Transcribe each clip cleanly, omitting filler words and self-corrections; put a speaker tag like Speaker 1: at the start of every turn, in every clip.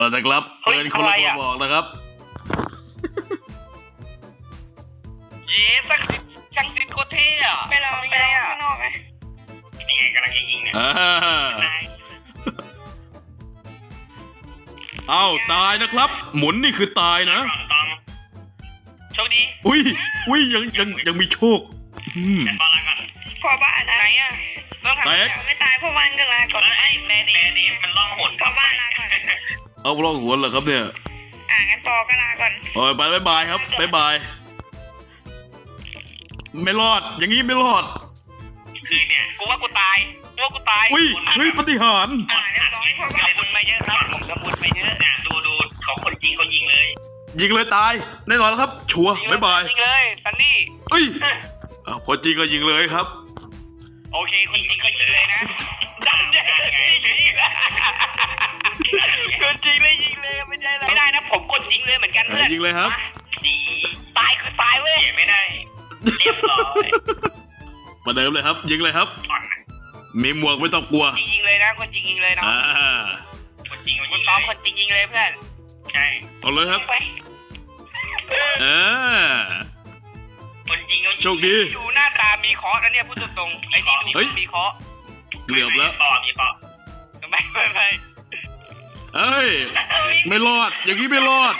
Speaker 1: นะครับเป็นคนละคนบอกนะครับ
Speaker 2: เย้ช่างซิดโคตรเท่อะไปเราข้างนอกไหมนี่ไงกำลังยิงเนี่ย
Speaker 1: เอ้าตายนะครับหมุนนี่คือตายนะ
Speaker 2: โชคดี
Speaker 1: อุ้ยยังมีโชค
Speaker 2: พอละก่อนพอบ้านไหนอ่ะต้องทำไม่ตายเพราะบ้านก็ลาก่อนไอ้แม่ดีมันล่องหนพอบ้านลาก่อน
Speaker 1: เอาล่องหนเหรอครับเนี่ย
Speaker 2: งั้นปอก็ลาก่อน
Speaker 1: ไปบายครับบายไม่รอดอย่างนี้ไม่รอด
Speaker 2: คือเนี่ยกูว่ากูตาย
Speaker 1: อุ้ยปฏิหาร
Speaker 2: เรียบร้อยพอบ้านบุญมาเยอะครับผมจะบุญไปเยอะดูเขาคนจริงเขายิงเลย
Speaker 1: ตายแน่นอนครับชัวร์บาย
Speaker 2: ยิงเลยซันนี่
Speaker 1: คนจริงก็ยิงเลยครับ
Speaker 2: โอเคคนจริงก็ยิงเลยนะจังไงคนจริงเลยยิงเลยไม่ใช่ไม่ได้นะผมกดยิงเลยเหมือนกันเพื่อน
Speaker 1: ยิงเลยครับ
Speaker 2: ตายคือตายเว้ยไม่ได้เรียบร้อย
Speaker 1: มาเดิมเลยครับยิงเลยครับมีหมวกไม่ต้องกลัว
Speaker 2: ยิงเลยนะคนจริงยิงเลยนะคนจริงคุณต้อมคนจริงยิงเลยเพื่อนใช่
Speaker 1: เอาเลยครับ
Speaker 2: คนจริง
Speaker 1: โชคดี
Speaker 2: ดูหน้าตามีเคาะนะเนี่ยพูดตรงๆไอ้นี่ดูมีเคาะ
Speaker 1: เกือบแล้ว
Speaker 2: มีเคาะไม่
Speaker 1: ไม่รอดอย่างนี้ไม่รอด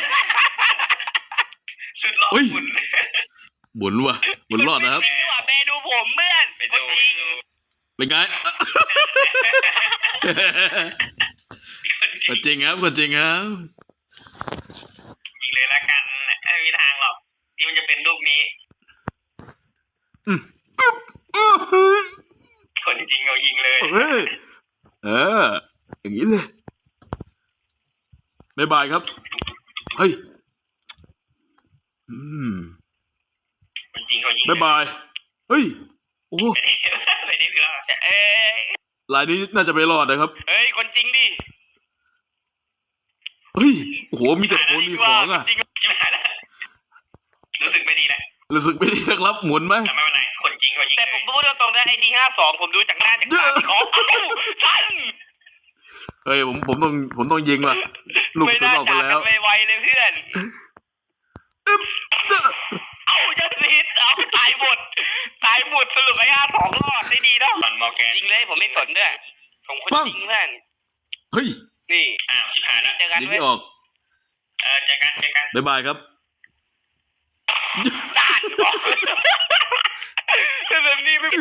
Speaker 2: สุดหล่อ
Speaker 1: บุญว่ะบุญรอดนะครับ
Speaker 2: เบดูผมเพื่อนคนจริง
Speaker 1: เป็นไงคนจริงครับยิง
Speaker 2: เลยละกันไม่มีทางหรอกที่มันจะเป็นรูปนี้คนจริงเรายิงเลย
Speaker 1: อย่างนี้เลยบายครับ
Speaker 2: คนจริงเขายิง
Speaker 1: บายโอ้ลายนี้น่าจะไม่รอดนะครับ
Speaker 2: คนจริงดิ
Speaker 1: โอ้โหมีแต่คนมีของอ่ะ
Speaker 2: รู้สึกไม่ดี
Speaker 1: นะครับหมุนไหม
Speaker 2: ไม่เป็นไรคนจริงเขายิงแต่ผมพูดตรงๆนะไอ้ดี52ผมดูจากหน้าจากตาที่เขาทัน
Speaker 1: ผมต้องยิงว่ะลูกสุดออกไปแล้ว
Speaker 2: ไม่ไวเลยเพื่อนจะซีดตายหมดสรุปไอ้52รอดได้ดีนะจริงเลยผมไม่สนด้วยผมคนจริงเพื่อนนี่ชิบหายแล้วเจอกัน
Speaker 1: ยิงไม่ออก
Speaker 2: เจอกัน
Speaker 1: บายครับ
Speaker 2: ด่านบอกแต่นี่ไม่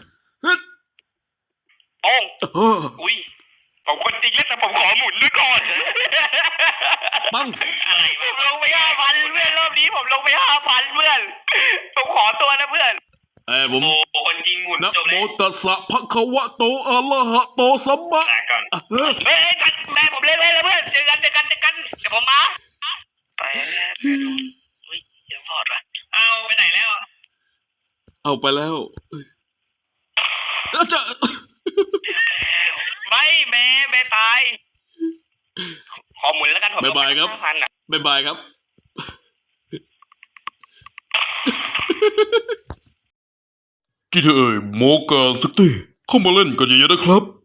Speaker 2: อุ้ยผมคนจริงเลยแต่ผมขอหมุนด้วยก่อน
Speaker 1: ปัง
Speaker 2: อะไรผมลงไป5,000เพื่อนรอบนี้ผมลงไป5,000เพื่อนผมขอตัวนะเพื่อน
Speaker 1: ผม
Speaker 2: คนจริงหมุน
Speaker 1: นะโมตัสสะภะคะวะโตอะระหะโตสัมมา
Speaker 2: แม่ผมเล่นเลยเพื่อนเจอกันเดี๋ยวผมมาไปแล้วอย่าพอดว่ะเอาไปไหนแล้ว
Speaker 1: เอาไปแล้วจะ
Speaker 2: ไม่ตายขอหมุนแล้วกันผม
Speaker 1: บายครับบายครับGTA โมกาซิตี้เข้ามาเล่นกันเยอะๆนะครับ